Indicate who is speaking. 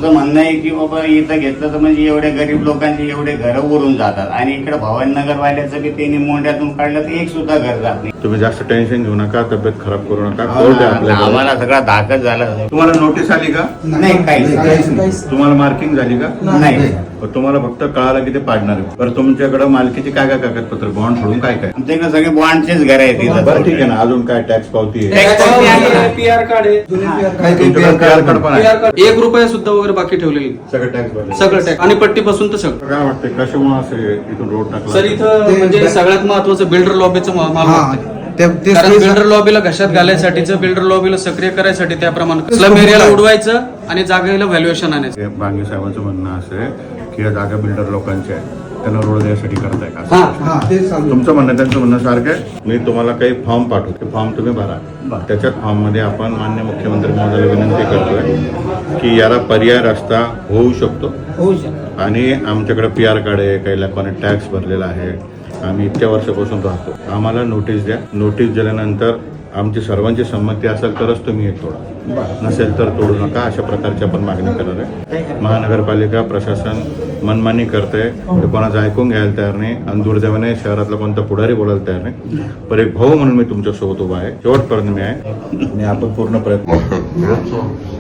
Speaker 1: आमचं म्हणणं आहे की बाबा इथं घेतलं तर म्हणजे एवढे गरीब लोकांची एवढे घरं उरून जातात आणि इकडे भवानीनगर वाल्याचं बी त्यांनी मोंढ्यातून काढलं तर एक सुद्धा घर जात नाही.
Speaker 2: तुम्ही जास्त टेन्शन घेऊ नका, तब्येत खराब करू नका. कोर्ट आहे आपल्याकडे.
Speaker 1: आम्हाला सगळा धाकच झाला.
Speaker 2: तुम्हाला नोटीस आली का?
Speaker 1: नाही काहीच नाही.
Speaker 2: तुम्हाला मार्किंग झाली का?
Speaker 1: नाही.
Speaker 2: तुम्हाला फक्त कळालं की ते पाडणार आहे. बरं तुमच्याकडे मालकीची काय काय कागदपत्र, बॉन्ड सोडून काय काय?
Speaker 1: आमच्याकडे सगळे बॉन्डचेच घर आहेत तिथं.
Speaker 2: बरं ठीक आहे ना. अजून काय टॅक्स पावती आहे?
Speaker 3: पीआर कार्ड आहे,
Speaker 2: तुमच्याकडे PR कार्ड पण आहे?
Speaker 3: 1 रुपया सुद्धा वगैरे बाकी ठेवलेली,
Speaker 2: सगळं टॅक्स भरले?
Speaker 3: सगळं टॅक्स आणि पट्टीपासून तर सगळं.
Speaker 2: काय वाटतं कशामुळे असं इथून रोड टाकला?
Speaker 3: सर इथं म्हणजे सगळ्यात महत्वाचं बिल्डर लॉबीचं माल वाटतं. कारण
Speaker 4: ते
Speaker 3: बिल्डर लॉबीला घशात घालायसाठीचं, बिल्डर लॉबीला सक्रिय करायसाठी त्याप्रमाणे स्लम एरियाला उडवायचं आणि जागेला व्हॅल्युएशन आणायचं.
Speaker 2: बांगे साहेबांचं म्हणणं असं आहे की या जागा बिल्डर लोकांची आहे, त्यांना रोड द्यायसाठी करताय का? तुमचं म्हणणं त्यांचं म्हणणं सारखं आहे. मी तुम्हाला काही फॉर्म पाठवतो, ते फॉर्म तुम्ही भरा. त्याच्यात फॉर्म मध्ये आपण मान्य मुख्यमंत्री महोदयाला विनंती करतोय की याला पर्याय रस्ता होऊ शकतो आणि आमच्याकडे PR कार्ड आहे, काही लोकांनी टॅक्स भरलेला आहे, आम्ही इतक्या वर्षापासून राहतो, आम्हाला नोटीस द्या. नोटीस दिल्यानंतर आमची सर्वांची संमती असेल तरच तुम्ही हे तोडा, नसेल तर तोडू नका. अशा प्रकारची आपण मागणी करणार आहे. महानगरपालिका प्रशासन मनमानी करते, ते कोणाचं ऐकून घ्यायला तयार नाही आणि दुर्दैवाने शहरातला कोणता पुढारी बोलायला तयार नाही. पण एक भाऊ म्हणून मी तुमच्यासोबत उभा आहे, शेवटपर्यंत मी आहे आणि आपण पूर्ण प्रयत्न